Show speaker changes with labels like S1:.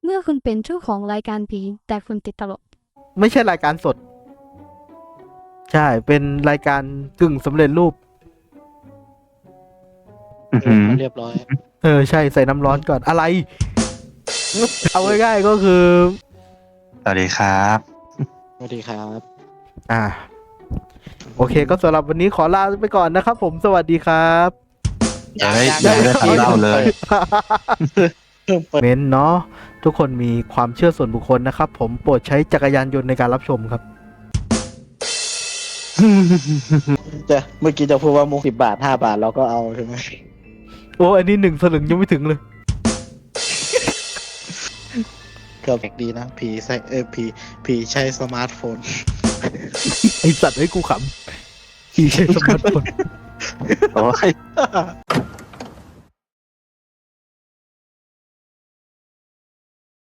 S1: เมื่อคุณเป็นเจ้าของรายการผีแต่คุณติดตลก
S2: ไม่ใช่รายการสด ใช่ เป็นรายการกึ่งสำเร็จรูป
S3: เรียบร้อย
S2: ใช่ใส่น้ำร้อนก่อนอะไร เอาง่ายๆก็คือ
S4: สวัสดีครับ
S3: สวัสดีครับ
S2: โอเคก็สำหรับวันนี้ขอลาไปก่อนนะครับผมสวัสดีครับ
S4: ยังไม่ได้ทันเล่าเลย
S3: เพิ่มเปิด
S2: เม้นเนาะทุกคนมีความเชื่อส่วนบุคคลนะครับ ผมโปรดใช้จักรยานยนต์ในการรับชมครับ
S3: เมื่อกี้จะพูดว่ามุก10 บาท5 บาทเราก็เอาใช่ไหม
S2: โอ้อันนี้1 สลึงยังไม่ถึงเลย
S3: เกือบดีนะผีใช้ผีใช้สมาร์ทโฟน
S2: ไอสัตว์ให้กูขำขี่ใช้สมาร์ทโฟน
S4: โอ้ย